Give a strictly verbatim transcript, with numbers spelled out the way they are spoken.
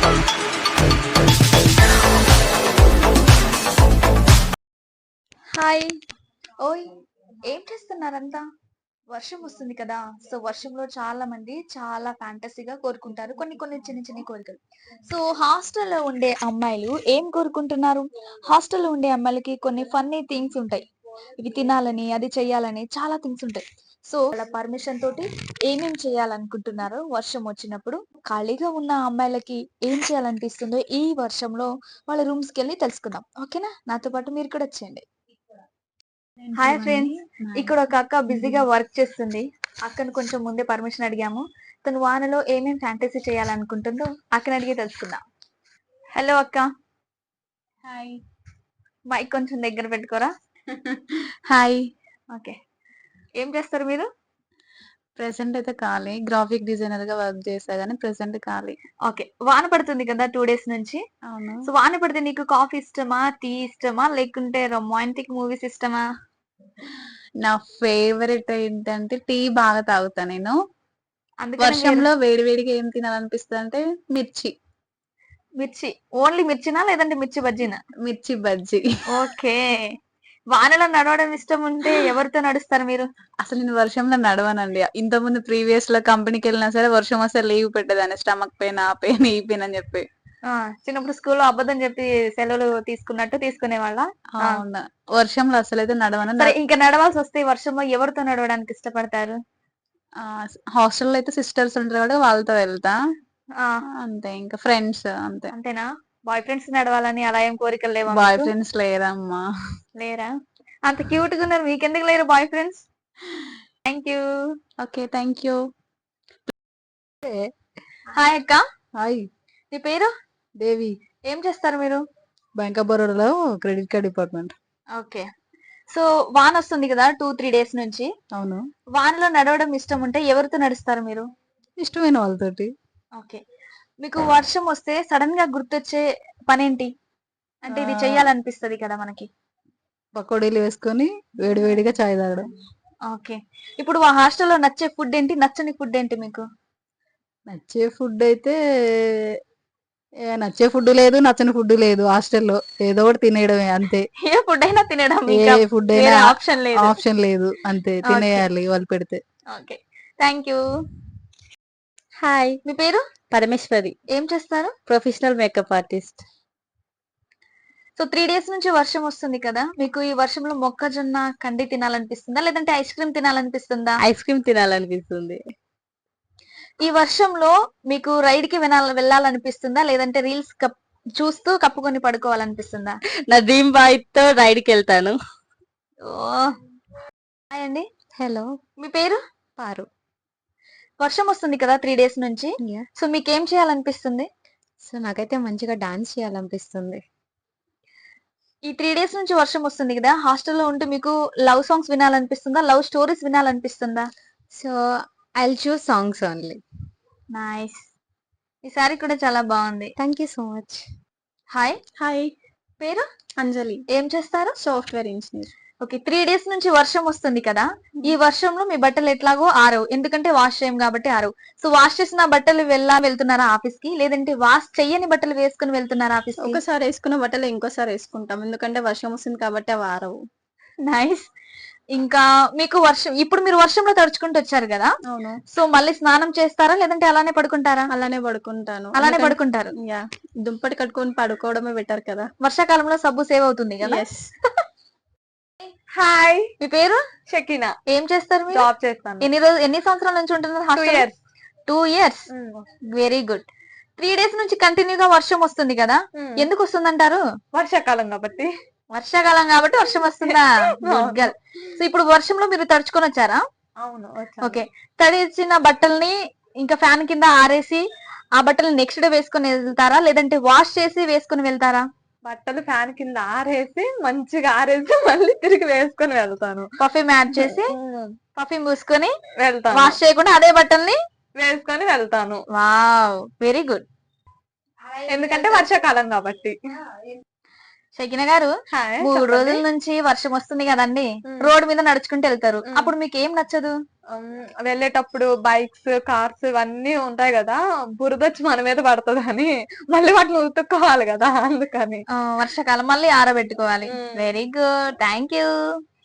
Hi. ఓయ్! ఏం చేస్తున్నారంతా? వర్షం వస్తుంది కదా! సో, వర్షంలో చాలా మంది చాలా ఫ్యాంటసీగా కోరుకుంటారు. కొన్ని కొన్ని చిన్ని చిన్ని కోరికలు. సో, హాస్టల్‌లో ఉండే అమ్మాయిలు ఏం కోరుకుంటున్నారు? హాస్టల్‌లో ఉండే అమ్మాయిలకి కొన్ని ఫన్నీ థింగ్స్ ఉంటాయి. ఇవి తినాలని, అది చేయాలని చాలా థింగ్స్ ఉంటాయి. సో, వాళ్ళ పర్మిషన్ తోటి ఏమేం చేయాలనుకుంటున్నారో వర్షం వచ్చినప్పుడు, ఖాళీగా ఉన్న అమ్మాయిలకి ఏం చేయాలనిపిస్తుందో ఈ వర్షంలో వాళ్ళ రూమ్స్‌కెళ్ళి తెలుసుకుందాం. ఓకేనా? నాతో పాటు మీరు కూడా వచ్చేయండి. Hi friends. ఇక్కడ ఒక అక్క బిజీగా వర్క్ చేస్తుంది. అక్కను కొంచెం ముందే పర్మిషన్ అడిగాము. తను వానలో ఏమేం ఫ్యాంటసీ చేయాలనుకుంటుందో అక్కని అడిగి తెలుసుకుందాం. హలో అక్క. హాయ్. మైక్ కొంచెం దగ్గర పెట్టుకోరా. హాయ్. ఓకే. ఏం చేస్తారు మీరు? ప్రెసెంట్ అయితే ఖాళీ. గ్రాఫిక్ డిజైనర్ గా వర్క్ చేసా గానీ ప్రెసెంట్ ఖాళీ. ఓకే. వాన పడుతుంది కదా టూ డేస్ నుంచి. అవును. సో వాన పడితే నీకు కాఫీ ఇష్టమా, టీ ఇష్టమా, లేకుంటే రొమాంటిక్ మూవీస్ ఇష్టమా? నా ఫేవరెట్ ఏంటంటే టీ బాగా తాగుతా నేను. అందుకని మీరు వర్షంలో వేడి వేడిగా ఏం తినాలనిపిస్తుంది అంటే మిర్చి. మిర్చి. ఓన్లీ మిర్చినా లేదంటే మిర్చి బజ్జీనా? మిర్చి బజ్జీ. ఓకే. వానలో నడవడం ఇష్టం ఉంటే ఎవరితో నడుస్తారు మీరు? అసలు నేను వర్షంలో నడవనండి. ఇంతకుముందు ప్రీవియస్ లో కంపెనీకి వెళ్ళినా సరే వర్షం వస్తే లీవ్ పెట్టేదాన్ని. స్టమక్ పెయిన్, ఆ పెయిన్, ఈ పెయిన్ అని చెప్పి. ఆ! చిన్నప్పుడు స్కూల్‌లో అబద్ధం చెప్పి సెలవులు తీసుకున్నట్టు తీసుకునేవాళ్ళా? ఆ! అవును. వర్షంలో అసలైతే నడవను. సరే నా- ఇంక నడవాల్సొస్తే ఈ వర్షంలో ఎవరితో నడవడానికి ఇష్టపడతారు? ఆ, హాస్టల్లో అయితే సిస్టర్స్ ఉంటారు కాబట్టి వాళ్ళతో వెళ్తా. ఆ! అంతే, ఇంకా ఫ్రెండ్స్ అంతే. అంతేనా? బాయ్ ఫ్రెండ్స్ నడవాలని అలా ఏం కోరికలు లేవా బాయ్ మీకు? ఫ్రెండ్స్ లేరమ్మా. లేరా? అంత క్యూట్‌గా ఉన్నారు. మీకెందుకు లేరు boyfriends? Thank you. Okay, thank you. Hi అక్క. హాయ్. మీ పేరు? దేవి. ఏం చేస్తారు మీరు? బ్యాంక్ ఆఫ్ బరోడాలో credit card department. Okay. So వానొస్తుంది కదా టూ, త్రీ డేస్ నుంచి. అవును. వానలో నడవడం ఇష్టం ఉంటే ఎవరితో నడుస్తారు మీరు? ఇష్టమైన వాళ్ళతోటి. ఓకే. మీకు వర్షం వస్తే సడన్ గా గుర్తొచ్చే పనేంటి? అంటే ఇది ఆ, చెయ్యాలనిపిస్తది కదా మనకి. పకోడీలు వేసుకొని వేడి వేడిగా చాయ్ తాగడం. ఓకే. ఇప్పుడు ఆ హాస్టల్‌లో నచ్చే ఫుడ్ ఏంటి? నచ్చని ఫుడ్ ఏంటి మీకు? నచ్చే ఫుడ్ అయితే ఏ, నచ్చే ఫుడ్ లేదు, నచ్చని ఫుడ్ లేదు. హాస్టల్లో ఏదో ఒకటి తినేయడమే అంతే. ఏ ఫుడ్ అయినా తినడం ఏ ఇంకా ఫుడ్ అయినా వేరే ఆప్షన్ లేదు. ఆప్షన్ లేదు, అంతే ఓకే. తినేయాలి వాళ్ళు పెడితే. ఓకే. Thank you. హాయ్. మీ పేరు? పరమేశ్వరి. ఏం చేస్తారు? Professional makeup artist. So three days నుంచి వర్షం వస్తుంది కదా! మీకు ఈ వర్షంలో మొక్కజొన్న కండి తినాలనిపిస్తుందా? లేదంటే ఐస్ క్రీమ్ తినాలనిపిస్తుందా? ఐస్ క్రీమ్ తినాలనిపిస్తుంది. ఈ వర్షంలో మీకు రైడ్‌కి వినాల వెళ్ళాలనిపిస్తుందా? లేదంటే రీల్స్ కప్ చూస్తూ కప్పుకొని పడుకోవాలనిపిస్తుందా? నా డ్రీమ్ బాయ్ తో రైడ్ కి వెళ్తాను. ఓహ్! హాయ్ అండి. హలో. మీ పేరు? పారు. వర్షం వస్తుంది కదా త్రీ డేస్ నుంచి. యా. సో మీకేం చేయాలనిపిస్తుంది? సో నాకైతే మంచిగా డాన్స్ చేయాలనిపిస్తుంది. ఈ త్రీ డేస్ నుంచి వర్షం వస్తుంది కదా! హాస్టల్‌లో ఉంటూ మీకు లవ్ సాంగ్స్ వినాలనిపిస్తుందా? లవ్ స్టోరీస్ వినాలనిపిస్తుందా? So I will choose songs only. Nice. ఈ సారీ కూడా చాలా బాగుంది. Thank you so much. Hi. Hi. పేరు? అంజలి. ఏం చేస్తారు? Software engineer. Okay. Three days నుంచి వర్షం వస్తుంది కదా! ఈ వర్షంలో మీ బట్టలు ఎట్లాగో ఆరవు. ఎందుకంటే వాష్ చేయం కాబట్టి ఆరవు. సో వాష్ చేసిన బట్టలు వెళ్ళా వెళ్తున్నారా ఆఫీస్‌కి? లేదంటే వాష్ చెయ్యని బట్టలు వేసుకొని వెళ్తున్నారా ఆఫీస్‌కి? ఒకసారి వేసుకున్న బట్టలు ఇంకోసారి వేసుకుంటాం, ఎందుకంటే వర్షం వస్తుంది కాబట్టి అవి ఆరవు. నైస్. ఇంకా మీకు వర్షం ఇప్పుడు మీరు వర్షంలో తడుచుకుంటూ వచ్చారు కదా! అవును. సో మళ్ళీ స్నానం చేస్తారా? లేదంటే అలానే పడుకుంటారా? అలానే పడుకుంటాను. అలానే ఎందుకంటే- పడుకుంటారు. యా, దుప్పటి కట్టుకొని పడుకోవడమే బెటర్ కదా. వర్షాకాలంలో సబ్బు సేవ్ అవుతుంది కదా! ఎస్. హాయ్. మీ పేరు? షకీనా. ఏం చేస్తారు మీరు? జాబ్ చేస్తాను. ఎన్ని రోజులు ఎన్ని సంవత్సరాల నుంచి ఉంటున్నారు to hostel? Years. Two years. Very good. Three days నుంచి కంటిన్యూగా వర్షం వస్తుంది కదా! ఎందుకు వస్తుందంటారు? వర్షాకాలం కాబట్టి. వర్షాకాలం కాబట్టి వర్షం వస్తుందా? Good girl. సో ఇప్పుడు వర్షంలో మీరు తడుచుకొని వచ్చారా? అవును. ఓకే. తడిచిన బట్టల్ని ఇంకా ఫ్యాన్ కింద ఆరేసి ఆ బట్టలు నెక్స్ట్ డే వేసుకొని వెళ్తారా? లేదంటే వాష్ చేసి వేసుకొని వెళ్తారా? బట్టలు ఫ్యాన్ కింద ఆరేసి మంచిగా ఆరేసి మళ్ళీ తిరిగి వేసుకొని వెళ్తాను. పర్ఫ్యూమ్ యాడ్ చేసి పర్ఫ్యూమ్ పూసుకొని వెళ్తాను. వాష్ చేయకుండా అదే బట్టల్ని వేసుకొని వెళ్తాను. Wow, very good. ఎందుకంటే వర్షాకాలం కాబట్టి. షకిన గారు హాయ్ మూడు చెప్పండి. రోజుల నుంచి వర్షం వస్తుంది కదండి, ఉమ్. రోడ్ మీద నడుచుకుంటూ వెళ్తారు, ఉమ్. అప్పుడు మీకు ఏం నచ్చదు? ఉమ్, వెళ్ళేటప్పుడు బైక్స్ కార్స్ ఇవన్నీ ఉంటాయి కదా, బురద వచ్చి మన మీద పడుతుంది అని మళ్ళీ వాటిని ఉతుక్కోవాలి కదా అందుకని. ఆ, వర్షాకాలం మళ్ళీ ఆరబెట్టుకోవాలి. Um. Very good, thank you.